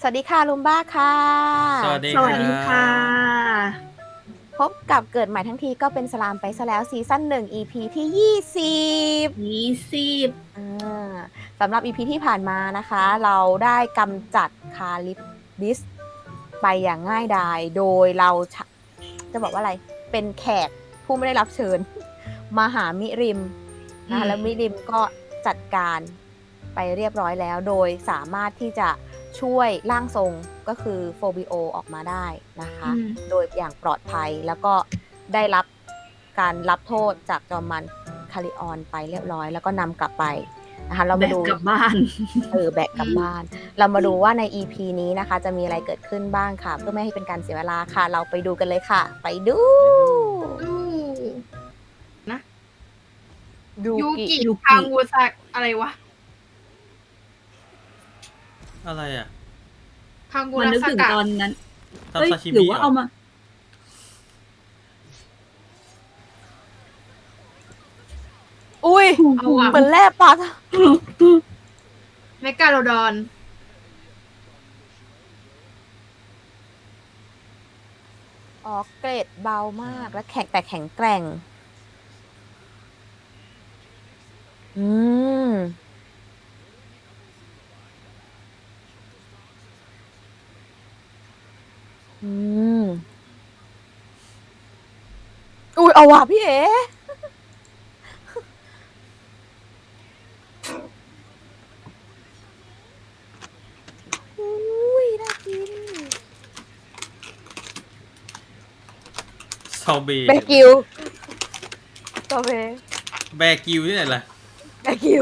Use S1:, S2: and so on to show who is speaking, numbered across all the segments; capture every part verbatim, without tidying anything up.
S1: วัสดีค่ะลุมบ้าค่ะ
S2: สวัสดี
S3: ส
S2: ค
S3: วัส
S2: รั
S3: ดีค่ะ
S2: บ
S1: พบกับเกิดใหม่ทั้งทีก็เป็นสลามไปซะแล้วซีซั่นหนึ่ง อี พี ที่ยี่สิบ
S3: ยี่สิบ
S1: อ่าสำหรับ อี พี ที่ผ่านมานะคะ เราได้กำจัดคาลิปดิสไปอย่างง่ายดายโดยเราจะบอกว่าอะไรเป็นแขกผู้ไม่ได้รับเชิญมาหามิริมนะคะแล้วมิริมก็จัดการไปเรียบร้อยแล้วโดยสามารถที่จะช่วยร่างทรงก็คือโฟบิโอออกมาได้นะคะโดยอย่างปลอดภัยแล้วก็ได้รับการรับโทษจากจอมมันคาริออนไปเรียบร้อยแล้วก็นำกลับไปนะคะเรามาดู
S3: แบกกลับบ้าน
S1: เออแบกกลับบ้านเรามาดูว่าใน อี พี นี้นะคะจะมีอะไรเกิดขึ้นบ้างค่ะเพื่อไม่ให้เป็นการเสียเวลาค่ะเราไปดูกันเลยค่ะไปดู
S3: นะ
S1: ดู
S3: ยู
S1: กิ
S3: กิ
S1: ยู
S3: ทาง
S1: กิ
S3: วูซักอะไรวะ
S2: อะไรอ่ะ
S3: ทางกู
S4: มัน
S3: รา
S4: นึก
S3: ส
S4: ถึง
S3: กะ
S4: ตอนนั้น
S2: ทำ
S4: เอ้ย
S2: ซาชิ
S4: หรื
S2: มิ
S4: อว่า
S2: เหร
S4: เอา
S2: อ
S4: มา
S1: อุ้ย
S3: เอาอะ
S1: เหมือนแร่ปลา
S3: เมกาโลดอน
S1: อ๋อเกรดเบามากและแข็งแต่แข็งแกร่งอืมอืมอุ้ยเอาว่ะพี่เอ๋อุ้ยน่ากิน
S2: ซอเบ
S1: แบกิวตอเบ
S2: แบกิวที่ไหนล่ะ
S1: แบกิว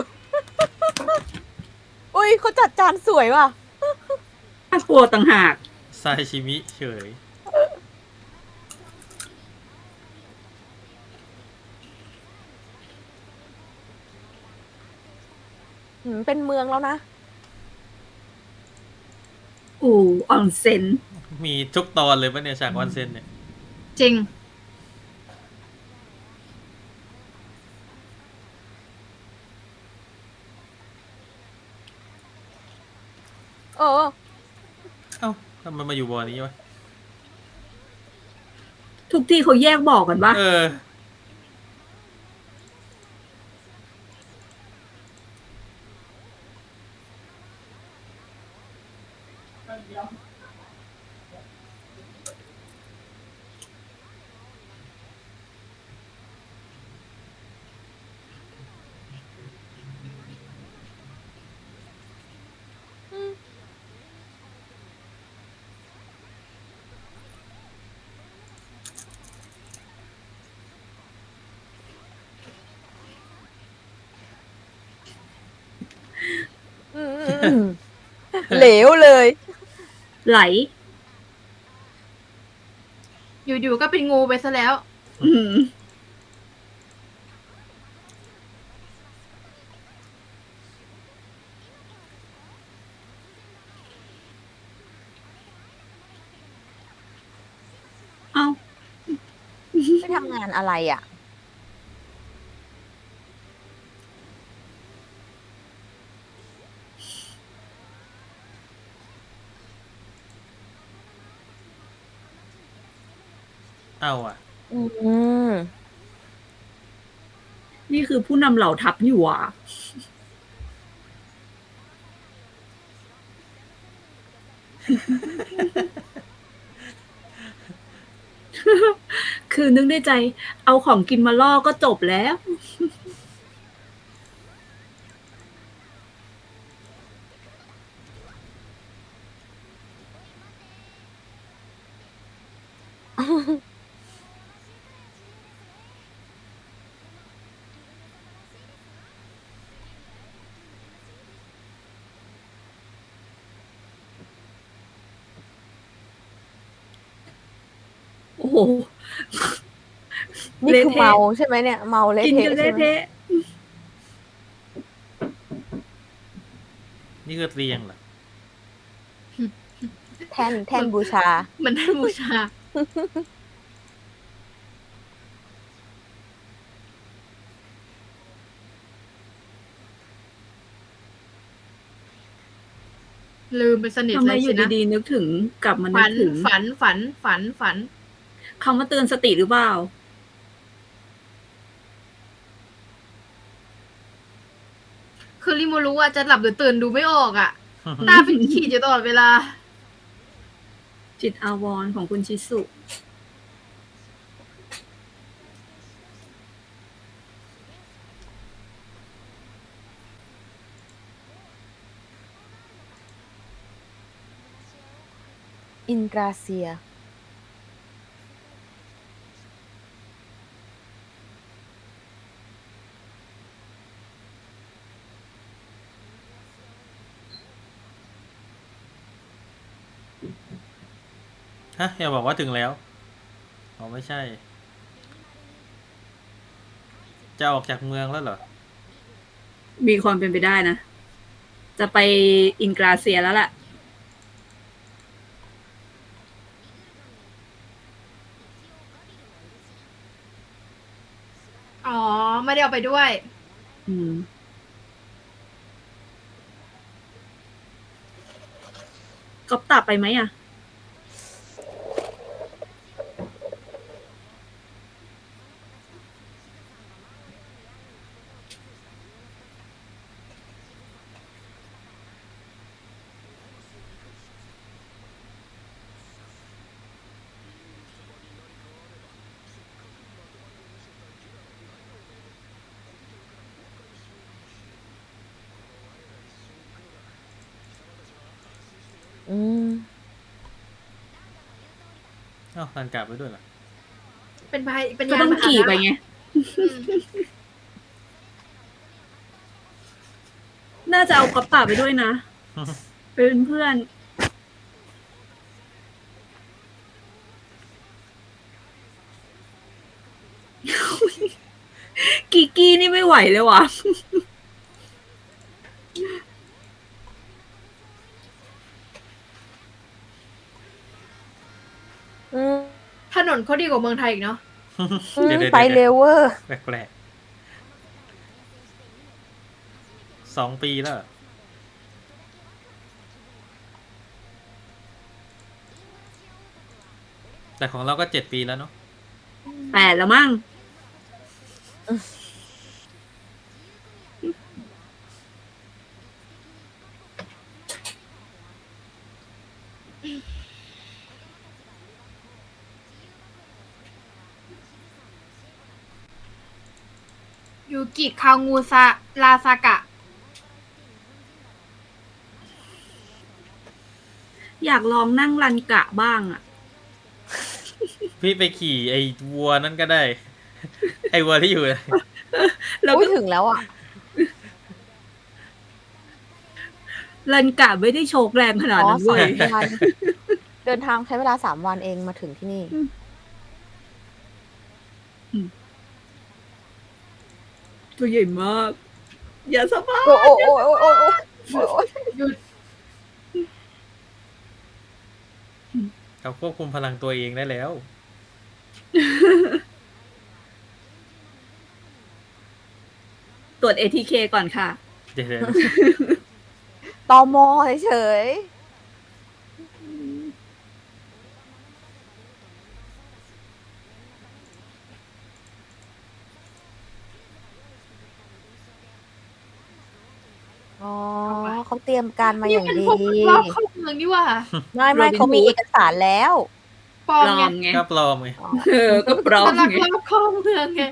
S1: อุ้ยเขาจัดจานสวยว่ะ
S4: น่ากลัวต่างหาก
S2: ซาชิมิเฉย
S1: หืมเป็นเมืองแล้วนะ
S4: อู่ออนเซ็น
S2: มีทุกตอนเลยปะเนี่ยฉากวันเซนเนี่ย
S3: จริง
S1: เออ
S2: เอ้าทำไมมาอยู่บอนี้วะ
S4: ทุกที่เขาแยกบอกกันว่า
S2: เออ
S1: อืมเหลวเลย
S4: ไหล
S3: อยู่ๆก็เป็นงูไปซะแล้ว
S4: อืม เอา
S1: ไปทำงานอะไรอ่ะ
S2: เอาอ่ะ
S1: อืม
S4: นี่คือผู้นำเหล่าทัพอยู่อ่ะ คือนึกในใจ เอาของกินมาล่อก็จบแล้ว โอ้โห
S1: นี่คือ
S4: เละเทะ
S1: เมาใช่ไหมเนี่ย เมาเละ
S4: กิน
S1: เทะ
S4: กัน
S1: ใช่
S4: เละ
S1: ไหม
S4: เทะ
S2: นี่คือเตียงเหรอ
S1: แท่นแท่นบูชา
S3: เหมือนท่านบูชาลืมไปสนิท
S4: ทำไม
S3: เลย
S4: อ
S3: สิ
S4: ยู่
S3: นะ
S4: ดีๆนึกถึงกลับมานึ
S3: ฝั
S4: ก
S3: น
S4: ถึง
S3: ฝันฝันฝันฝัน
S4: คำว่าเตือนสติหรือเปล่า
S3: คือริโมรู้ว่าจะหลับหรือตื่นดูไม่ออกอ่ะ ตาเป็นขีดอยู่ตลอดเวลา
S4: จิตอาวรณ์ของคุณชิสุ
S1: อินกราเซีย
S2: ฮะอย่าบอกว่าถึงแล้วอ๋อไม่ใช่ จะออกจากเมืองแล้วเหรอ
S4: มีความเป็นไปได้นะ จะไปอินกราเซียแล้วล่ะ
S3: อ๋อ ไม่ได้เอาไปด้วย
S4: อืม ก๊อปตับไปไหมอ่ะ
S1: อืม
S2: เอ้ารันกลับไปด้วยเหรอ
S3: เป็นพายเป็น
S4: ก็
S3: ยาน
S4: ต้อง
S3: พาหนะ
S4: ขี่ไปไง
S3: อืม
S4: น่าจะเอาก๊อปตับไปด้วยนะ เป็นเพื่อน กีกี้นี่ไม่ไหวเลยว่ะ
S1: อืม
S3: ถนนเขาดีกว่าเมืองไทยอีกเนาะ
S2: เดี๋ยวเดี๋ยว
S1: ไป
S2: เดี๋ยว
S1: เร็วเวอร์
S2: แปลกๆสองปีแล้วเหรอแต่ของเราก็เจ็ดปีแล้วเนาะ
S4: แปดแล้วมั้ง
S3: ยูกิคางูซาลาซากะ
S4: อยากลองนั่งรันกะบ้างอ่ะ
S2: พี่ไปขี่ไอ้วัวนั่นก็ได้ ไอ้วัวที่อยู่
S4: แล้ว
S1: อุ้
S4: ก็
S1: ยถึงแล้วอ่ะ
S4: รันกะไม่ได้โชกแรงขนาด
S1: อ๋อ
S4: นั้น
S1: สา
S4: เว้ย
S1: มวัน เดินทางใช้เวลาสามวันเองมาถึงที่นี่
S4: ตัวใหญ่มาก อย่าสบาย
S1: โอ้โอ้โอ้โอ้โอ้โอ้โอ้โอ้
S3: หยุด
S2: เขาควบคุมพลังตัวเองได้แล้ว
S4: ตรวจ เอ ที เค ก่อนค่ะ
S2: เดี๋ยว
S1: ตอมอเฉยๆอ๋อเขาเตรียมการมาอย่าง
S3: เป็น
S1: ดี
S3: พวกรอบเข้าเมืองนี่ว่า
S1: ไม่ไม่
S4: Robin
S1: เขามี
S4: Hood
S1: เอกสารแล้ว
S3: ปลอ
S4: ป
S3: ม
S4: ลอ
S3: ไง
S4: มไง
S2: ก็ปลอมไง
S4: เออ ก็ปลอม
S3: กำลัง
S4: ไง
S3: รอบเข้าเมืองไง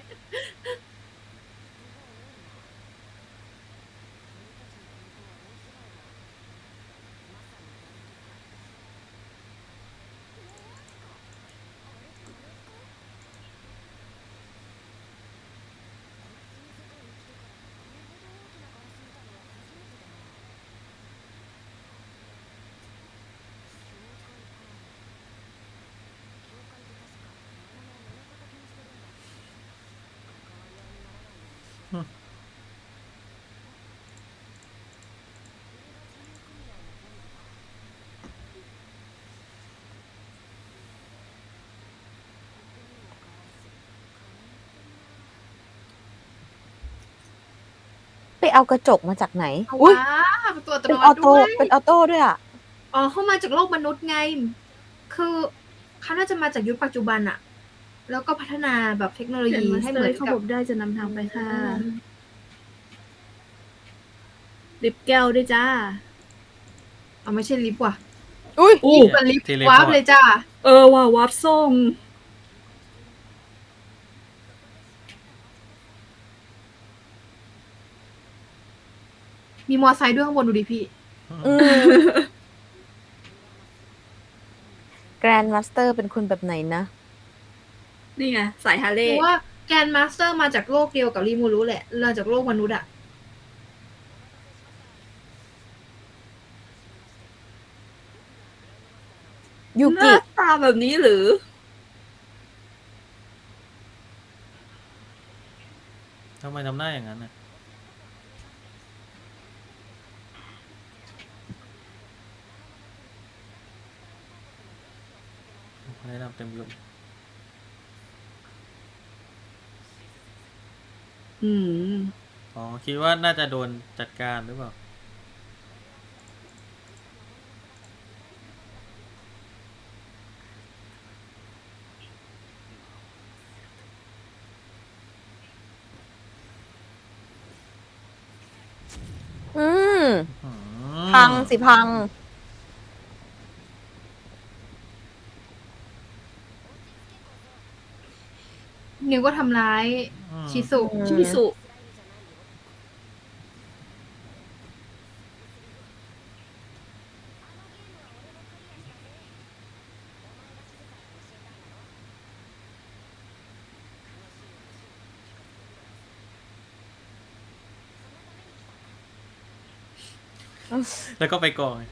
S1: ไปเอากระจกมาจากไหน
S3: เอา
S1: อุ้ย
S3: ว้าประตูอัต
S1: เป็
S3: โน
S1: น
S3: มั
S1: ออ
S3: ติ
S1: โต้
S3: ด้วย
S1: เป็นออโต้ด้วยอ่ะ
S3: อ๋อเขามาจากโลกมนุษย์ไง คือเขาน่าจะมาจากยุคปัจจุบันอะแล้วก็พัฒนาแบบเทคโนโล
S4: เขียน
S3: ยี
S4: มาส
S3: ให้
S4: เต
S3: เห
S4: อ
S3: มือน
S4: ร์เข้า
S3: กั
S4: พ
S3: บบ
S4: ได้จะนำทางไปค่ะลิปแก้วด้วยจ้า
S3: เอาไม่ใช่ลิฟต์ว่ะ
S1: อุ้ย
S4: อู้
S3: เป็นลิฟต์
S2: ทีเล
S3: วา
S2: พ
S3: ร์
S2: อ
S3: ป
S2: ร์ต
S3: เลยจ้า
S4: เออว่าวาร์ปส่ง
S3: มีมอไซค์ด้วยข้างบนดูดิพี่
S1: อืมแกรนด์มาสเตอร์เป็นคนแบบไหนนะ
S4: นี่ไง สายฮาร์เล
S3: หรื
S4: ย์
S3: อว่าแกนมาสเตอร์มาจากโลกเดียวกับริมูรุแหละมาจากโลกมนุษย์อะ
S1: ยู
S4: ห
S1: กิ
S4: น้าตาแบบนี้หรือ
S2: ทำไมทำหน้าอย่างนั้นน่ะแนะนำเต็มยศ
S4: อืม
S2: อ๋อ คิดว่าน่าจะโดนจัดการหรือเปล่า
S1: อืม
S2: อืม
S1: พังสิพัง
S3: นิวก็ทำร้าย
S2: อืม
S3: ชิสุ
S1: อืม
S4: ชิสุ
S2: แล้วก็ไปก่อน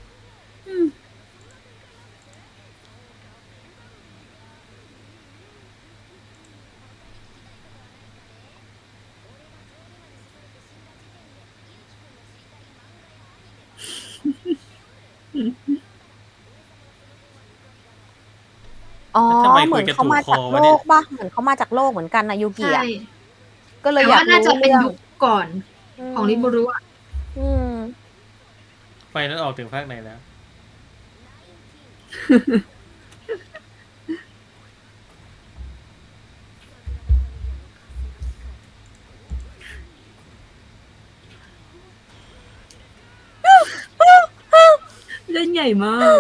S1: อ๋อ
S2: แล้วทำไม
S1: เห
S2: คุ
S1: มื
S2: ย
S1: อน
S2: กัน
S1: เขา
S2: ถูก
S1: มา
S2: ค
S1: จา
S2: อก
S1: โล
S2: วะเนี่ย
S1: กปะเหมือนเขามาจากโลกเหมือนกันนะยูกิ
S3: ใช่
S1: อะก็เลย
S3: แต่
S1: อยา
S3: ว่าก น่า
S1: รู้
S3: จะเป็น
S1: เรื่อง
S3: ยุคก่อนของริมูรุอะ
S1: อืม
S2: ไฟนั้นออกถึงภาคไหนแล้ว
S4: เล่นใหญ่มาก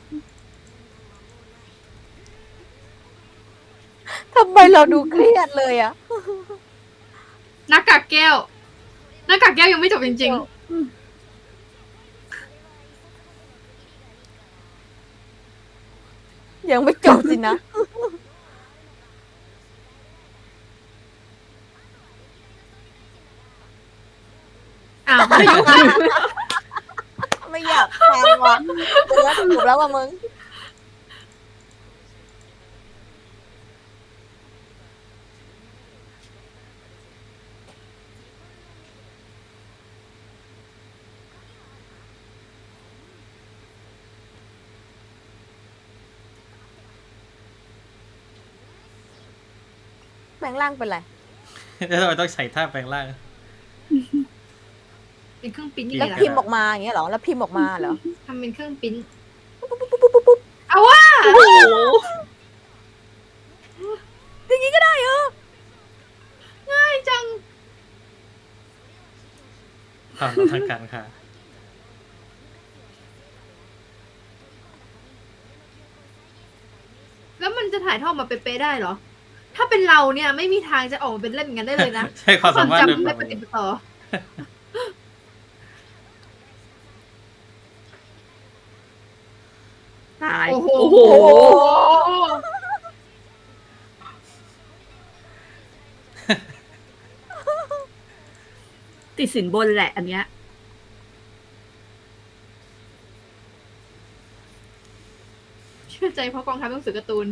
S1: ทำไมเราดูเครียดเลยอะ
S3: หน้ากากแก้วหน้ากากแก้วยังไม่จบจริง
S1: ยังไม่จบสินะ
S3: ๆ อ้าวพายุ
S1: ไม่อยากฟังว่ะเดี๋ยวจบแล้วว่ะมึง แปลงร่างเป็นไร
S2: แล้วทำไมต้องใส่ท่าแปลงร่าง
S3: เป็นเครื่องปริ้นยัง
S1: แล้
S3: ไง
S1: ว
S3: ล่ะ
S1: พิมพ์ออกมาอย่างเงี้ยเหรอ แล้วพิมพ์ออกมาเหรอ
S3: ทำเป็นเครื่องปริ้น
S1: ปุ๊บปุ๊บปุ๊บปุ๊บปุ๊บ
S3: เอาว่า
S4: โอ้โห
S1: อย่างงี้ก็ได้เหรอ
S3: ง่ายจัง
S2: ความรู้ทางการค่ะ
S3: แล้วมันจะถ่ายทอดมาเป๊ะๆได้เหรอ ถ้าเป็นเราเนี่ยไม่มีทางจะออกมาเป็นเล่นอย่างนั้นได้เลยนะ
S2: ใช่ความสามารถ
S3: จำ
S2: โดย
S3: ไม่
S2: ป
S3: ป
S2: ก
S3: ฏิ
S2: ติ
S3: บัติต่อ
S4: ตาย
S3: โอ้โห
S4: โอ้โห ติดสินบนแหละอันเนี้ย
S3: เชื่อใจเพราะกองทัพหนังสือการ์ตูน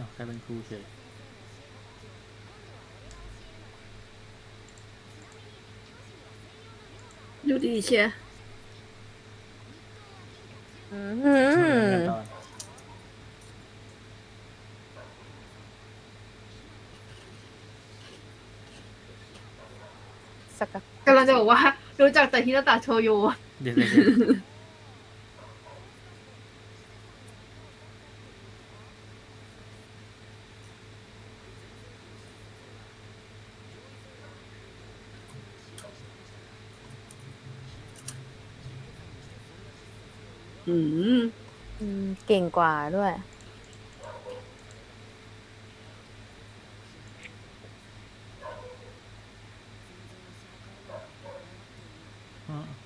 S2: าวกลายเป็นครูเฉย
S4: ดูดีเชียร์
S1: อื
S2: เหมือนกัน
S1: ม
S2: ตอน
S1: สกัด
S3: กำลังจะบอกว่า รู้จักแต่ฮินาตะโชโย
S2: เดี๋ยวเดี๋ยวเดี๋ยว
S4: อืม
S1: อืมเก่งกว่าด้วย
S2: อืม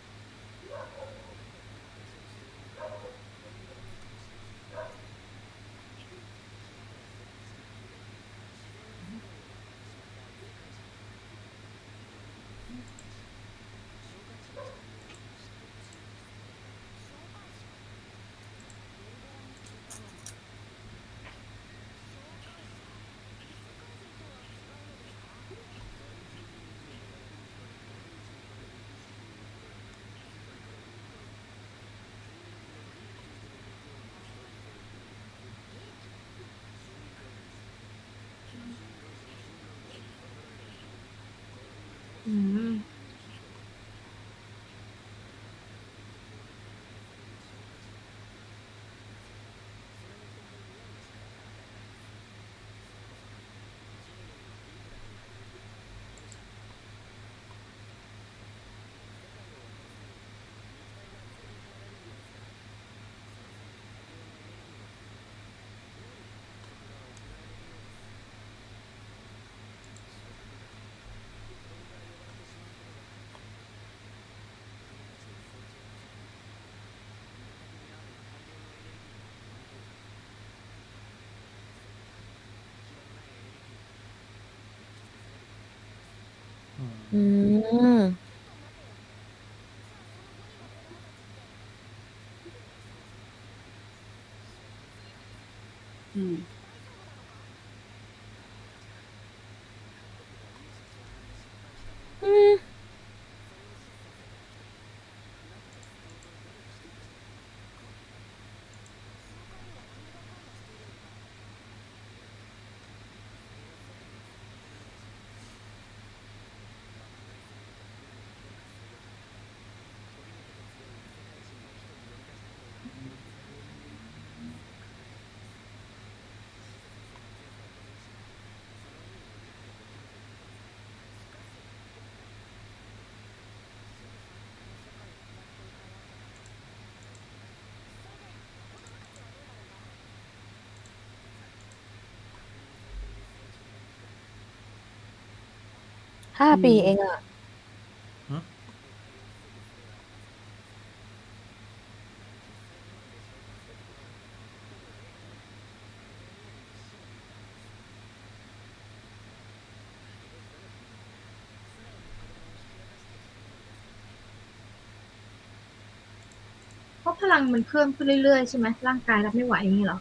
S3: อืม
S2: อืม
S1: อืม
S4: อืม
S1: อืม ห้า
S4: อืม
S1: ปีเองอ่ะ
S2: หึ
S3: เพราะพลังมันเพิ่มขึ้นเรื่อยๆใช่ไหมร่างกายรับไม่ไหวอย่างนี้เหรอ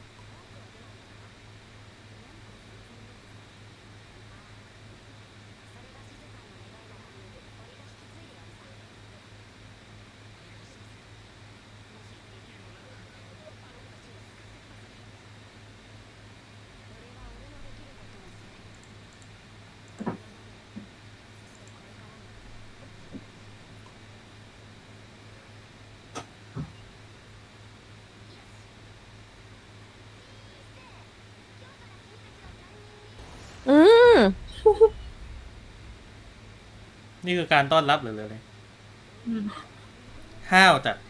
S1: อืม
S2: นี่คือการต้อนรับหรืออะไร
S3: อืม
S2: ห้าวจัด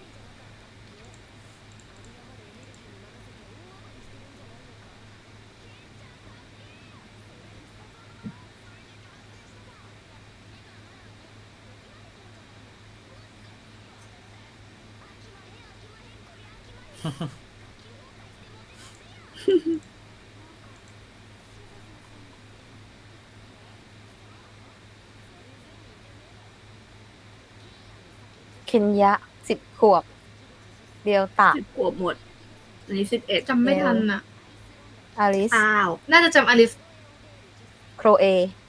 S1: เคนยะสิบขวบ เดียวตะ
S4: สิบขวบหมด อันนี้สิบเอ็ด
S3: จำไม่ทันอ่ะ
S1: อลิส
S4: อ้าว
S3: น่าจะจำอลิส
S1: โครเอ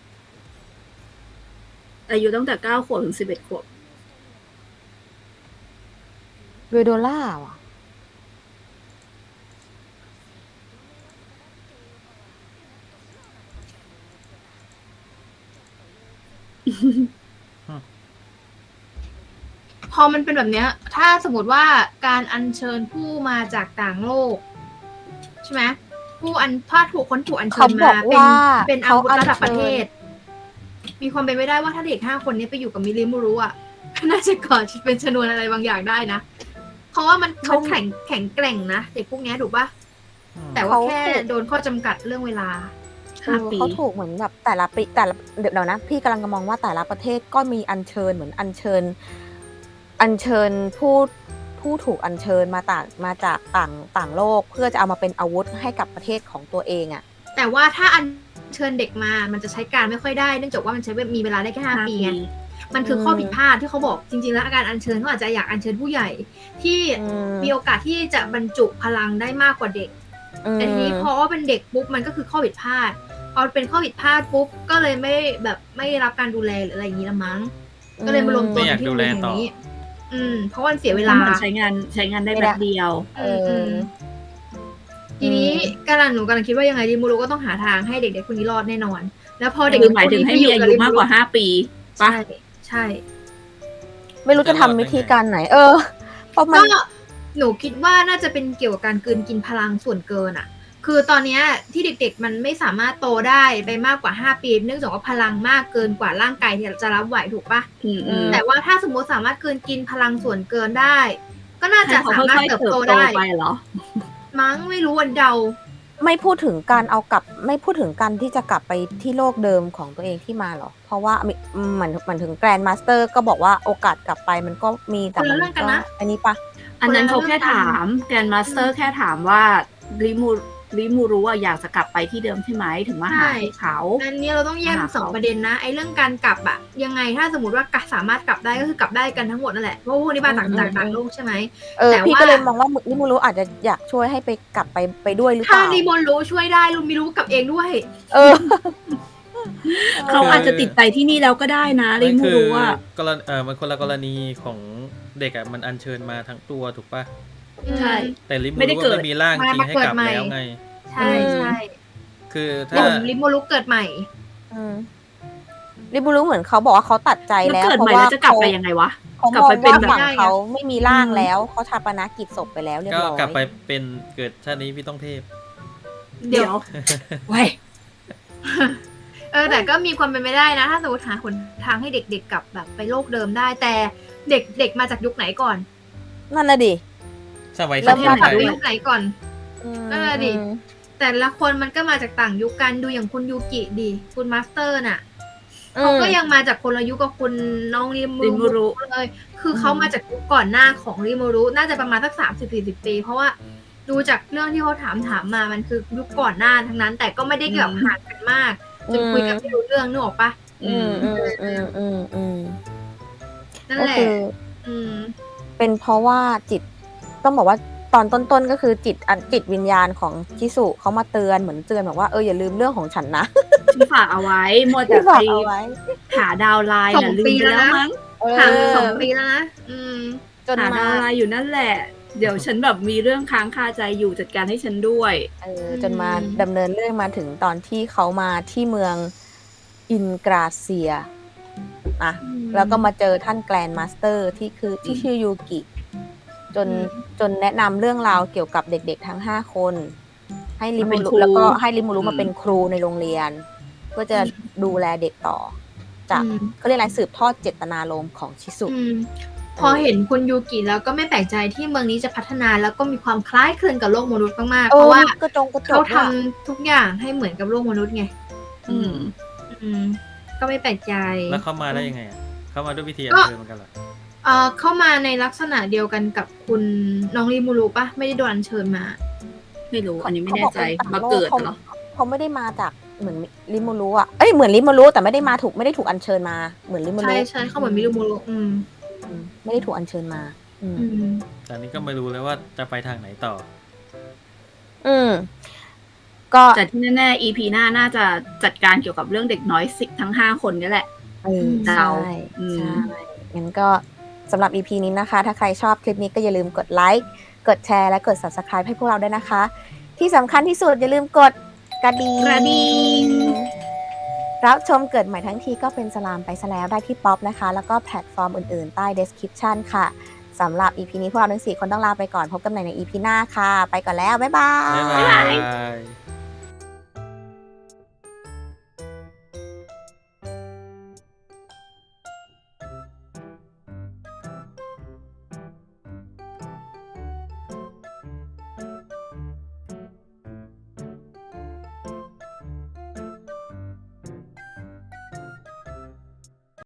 S4: อายุตั้งแต่เก้าขวบถึงสิบเอ็ดขวบ
S1: เวโดล่าว่ะ
S3: พอมันเป็นแบบเนี้ย ถ้าสมมติว่าการอัญเชิญผู้มาจากต่างโลก ใช่ไหมผู้อันถ้าถูกคนถูกอัญเชิ
S1: เขา
S3: ญ
S1: บอ
S3: มาก เป็น
S1: ว่า
S3: เป็นอา
S1: เขา
S3: วุธ
S1: อัญ
S3: ระดับ
S1: เชิญ
S3: ประเทศ มีความเป็นไปได้ว่าถ้าเด็กห้าคนนี้ไปอยู่กับมิริมูรุอ่ะ น่าจะก่อเป็นชนวนอะไรบางอย่างได้นะ เพราะว่ามันเขาแข็งแข็งแกร่งนะเด็กพวกเนี้ยถูกปะ
S2: อืม
S3: แต่ว่าแค่โดนข้อจำกัดเรื่องเวลา
S1: เอ
S4: ห้า
S1: อ
S4: ปี
S1: เขาถูกเหมือนแบบแต่ละปีแต่ละเดี๋ยวนะ พี่กำลังจะมองว่าแต่ละประเทศก็มีอัญเชิญเหมือนอัญเชิญ อัญเชิญผู้ผู้ถูกอัญเชิญมาต่างมาจากต่างต่างโลก เพื่อจะเอามาเป็นอาวุธให้กับประเทศของตัวเองอ่ะ
S3: แต่ว่าถ้าอัญเชิญเด็กมา มันจะใช้การไม่ค่อยได้เนื่องจากว่ามันใช้มีเวลาได้แค่ห้า
S4: ห้า
S3: ปี
S4: ปี
S3: ไง มันคือ
S1: อืม
S3: ข้อผิดพลาดที่เขาบอกจริงๆแล้วการอัญเชิญเขาอาจจะอยากอัญเชิญผู้ใหญ่ ที่
S1: อืม
S3: มีโอกาสที่จะบรรจุพลังได้มากกว่าเด็ก
S1: อืม
S3: แต่ทีนี้พอว่าเป็นเด็กปุ๊บมันก็คือข้อผิดพลาด พอเป็นข้อผิดพลาดปุ๊บก็เลยไม่แบบไม่รับการดูแลหรืออะไรอย่างนี้ละมั้ง ก็เลยมารวมตัว
S2: ไม่อยาก
S3: ที่
S2: ดู
S3: โรง
S2: แล
S3: เรียนแห่
S2: ต่อ
S3: งนี้ อืม เพราะว่ามันเสียเว
S4: เว
S3: ลา
S4: ลาใช้งานใช้งานได้แบบเดียว
S1: เอ
S3: อืมอื
S1: อ
S3: มทีนี้กำลังหนูกำลังคิดว่ายังไงริมูรุก็ต้องหาทางให้เด็กๆคนนี้รอดแน่นอน แล้วพอเด็ก
S4: คือหมายถึงให้มีอายุมากกว่าห้าปีปะ
S3: ใช่ใช่
S1: ไม่รู้จะทำวิธีการไหน เออ เพราะมัน
S3: ก็หนูคิดว่าน่าจะเป็นเกี่ยวกับการกลืนกินพลังส่วนเกินอ่ะ คือตอนเนี้ยที่เด็กๆมันไม่สามารถโตได้ไปมากกว่าห้าปี เนื่องจากว่าพลังมากเกินกว่าร่างกายที่จะรับไหวถูกปะ
S4: อืมอืม
S3: แต่ว่าถ้าสมมติสามารถกลืนกินพลังส่วนเกินได้ ก็น่า
S4: ให้
S3: จะ
S4: เขา
S3: สามารถ
S4: ค่อยๆ
S3: เติบ
S4: เติบ
S3: โต
S4: โต
S3: ได้
S4: ไปเหรอ
S3: มั้งไม่รู้วันเดา
S1: ไม่พูดถึงการเอากลับไม่พูดถึงการที่จะกลับไปที่โลกเดิมของตัวเองที่มาหรอ เพราะว่ามีเหมือนเหมือนถึงแกรนด์มาสเตอร์ก็บอกว่าโอกาสกลับไปมันก็มีแต่
S3: คนละ
S1: มั
S3: เรื่องกันนะ
S1: อันนี้ปะ
S4: อันนั้นเขาแค่ถามแกรนด์มาสเตอร์แค่ถามว่าริมูริมูรู้ว่าอยากจะกลับไปที่เดิมใช่ไหมถึงมาหาให้เขา
S3: อันนี้เราต้องแยกเป็น
S4: หา
S3: สอง
S4: เขา
S3: ประเด็นนะไอ้เรื่องการกลับอะยังไงถ้าสมมติว่ากลับสามารถกลับได้ก็คือกลับได้กันทั้งหมดนั่นแหละเพราะว่าพวกนี้มาจาก
S1: อืม
S3: จาก
S1: อืม
S3: ต่างโลกใช่ไหม
S1: เออ
S3: แต่
S1: พี่
S3: ว่า
S1: ก็เลยมองว่าลิมูรุอาจจะอยากช่วยให้ไปกลับไปไปด้วยหรือเป
S3: ถ้า
S1: ล่า
S3: รีโมนรู้ช่วยได้ลุงมีรู้กับเองด้วย
S1: เออ
S4: เขาอาจจะติดใจที่นี่แล้วก็ได้นะริ
S2: ไม่
S4: มู
S2: คือ
S4: รู้ว่า
S2: กรณีเออมันคนละกรณีของเด็กอ่ะมันอัญเชิญมาทั้งตัวถูกปะ
S4: ใช่
S2: แต่ลิมู
S4: ไม่ได้
S2: รู้
S4: เกิ
S2: ว่า
S4: ด
S2: ไม่มีร่างจริง
S3: มา
S2: ให้
S3: เกิด
S2: กลับ
S3: ใหม่
S2: แล้วไง
S3: ใช่ใช่
S2: คือ
S3: เดี๋
S2: ถ้า
S3: ยวรีโมนรู้เกิดใหม่
S1: อืมลิมูรุเหมือนเขาบอกว่าเขาตัดใจ
S4: แล้ว
S1: แล้ว
S4: เกิด
S1: เพ
S4: ใหม่
S1: ราะว่า
S4: แล้วจะกลับ
S1: เขา
S4: ไปยังไงวะ
S1: เขา
S4: กลั
S1: ม
S4: บ
S1: อง
S4: ไปเป็น
S1: ว่า
S4: แบบ
S1: ฝั่งเขาไม่มีร่าง
S4: อืม
S1: แล้วเขาชาปนกิจศพไปแล้วเรียบ
S2: ก็
S1: ร้อย
S2: กลับไปเป็นเกิดชาตินี้พี่ต้องเทพ
S3: เดี๋
S4: เดี๋
S3: ย
S4: ยว วไว้ย
S3: เออแต่ก็มีความเป็นไปได้นะ ถ้าสมมติหาหนทางให้เด็กๆกลับแบบไปโลกเดิมได้ แต่เด็กเด็กมาจากยุคไหนก่อน
S1: นั่นน่ะดิ
S2: สมัย
S1: เริ่
S2: ส
S1: ม
S2: มั
S3: กลับ
S2: ย
S3: ไปยุคไหนก่อน
S1: อืม
S3: นั่นน่ะดิ
S1: อืม
S3: แต่ละคนมันก็มาจากต่างยุคกันดูอย่างคุณยูกิดิคุณมาสเตอร์น่ะ
S1: อืม
S3: เขาก็ยังมาจากคนละยุคกับคุณน้องริมู
S4: ริมูรุ
S3: เลย คือเขามาจากยุคก่อนหน้าของริมูรุน่าจะประมาณสักสามสิบสี่สิบปี เพราะว่าดูจากเรื่องที่เขาถามถามมามันคือยุคก่อนหน้าทั้งนั้น แต่ก็ไม่ได้เกี่ยวห่างกันมากจนคุยกันไม่รู้เรื่องนึกออกปะ
S1: อืมอืมอืมอืมอืม
S3: นั่น
S1: ก็
S3: แหละ
S1: คือ
S3: อืม
S1: เป็นเพราะว่าจิตต้องบอกว่าตอนต้นๆก็คือจิตอันจิตวิญญาณของชิสุเขามาเตือนเหมือนเตือนแบบว่าเอออย่าลืมเรื่องของฉันนะ
S4: ที่ฝากเอาไว้มัวแต่
S1: ที่
S4: ไป
S1: ฝากเอาไว้
S4: หาดาวไลน์
S3: สอ
S4: น่ะ
S3: ง
S4: ลื
S3: ปี
S4: มไป
S3: แล้ว
S4: แล้ว
S3: นะ
S4: มั้ง
S1: เออ
S3: ห่างไปสองปีแล้วนะอืม
S1: จน
S4: หา
S1: มา
S4: ดาวไลน์อยู่นั่นแหละ เดี๋ยวฉันแบบมีเรื่องค้างคาใจอยู่จัดการให้ฉันด้วย
S1: เออจนมาดำเนินเรื่องมาถึงตอนที่เขามาที่เมืองอินกราเซียอ่ะ
S3: อืม
S1: แล้วก็มาเจอท่านแกรนด์มาสเตอร์ที่คือที่ชื่อยูกิ จน
S3: อืม
S1: จนแนะนำเรื่องราวเกี่ยวกับเด็กๆทั้งห้าคน ให้ริ
S4: มา
S1: มู
S4: เป็น
S1: รุ
S4: ครู
S1: แล้วก็ให้ริมูรุ
S4: อืม
S1: มาเป็นครูในโรงเรียน เพื่อจะดูแลเด็กต่อ จาก
S3: อืม
S1: เขาเรียกอะไรสืบทอดเจตนารมณ์ของชิสุ
S3: อืม พอเห็นคุณยูกิแล้วก็ไม่แปลกใจที่เมืองนี้จะพัฒนาแล้วก็มีความคล้ายคลึงกับโลกมนุษย์มากๆ
S1: เอ
S3: เพ
S1: อ
S3: ราะว่า
S1: กระจงกระจ
S3: เขา
S1: ก
S3: ทำทุกอย่างให้เหมือนกับโลกมนุษย์ไง
S4: อืม
S3: อืม ก็ไม่แปลกใจ
S2: แล้วเข้ามาได้ยังไงอ่ะ เข้ามาด้วยวิธีอั
S3: ก็
S2: ญเชิญเหมือนกันเหรอ
S3: เอ่อเข้ามาในลักษณะเดียวกันกับคุณน้องริมูรุปะไม่ได้โดนอัญเชิญมา
S4: ไม่รู้ อันนี้ไม่แน่ใจ
S1: ขบ
S4: มา
S1: อก
S4: เกิด
S1: เขา
S4: เหรอ
S1: เขาไม่ได้มาจากเหมือนริมูรุอ่ะเอ้ยเหมือนริมูรุแต่ไม่ได้มาถูกไม่ได้ถูกอัญเชิญมาเหมือนริมูรุ
S3: ใช่ใช่เขาเหมือนมิริมูรุอืม
S1: อืมไม่ได้ถูกอัญเชิญมา อืม
S3: อืม
S2: แต่อันนี้ก็ไม่รู้เลยว่าจะไปทางไหนต่อ
S1: อืมก็
S4: แต่ที่แน่ๆ อี พี หน้าน่าจะจัดการเกี่ยวกับเรื่องเด็กน้อยสิทั้งห้าคนนี่แหละ
S1: เออ
S4: เดา
S1: ใช่
S4: อืม
S1: ใช่งั้นก็สำหรับ อี พี นี้นะคะ ถ้าใครชอบคลิปนี้ก็อย่าลืมกดไลค์กดแชร์และกด Subscribe ให้พวกเราด้วยนะคะ ที่สำคัญที่สุดอย่าลืมกดกระดิ่ง
S4: กระดิ่ง
S1: รับชมเกิดใหม่ทั้งทีก็เป็นสลามไปซะแล้วได้ที่ป๊อปนะคะ แล้วก็แพลตฟอร์มอื่นๆ ใต้ description ค่ะสำหรับ อี พี นี้พวกเราทั้งสี่คนต้องลาไปก่อนพบกันใหม่ใน อี พี หน้าค่ะ ไปก่อนแล้ว บ๊ายบาย
S2: บ๊ายบาย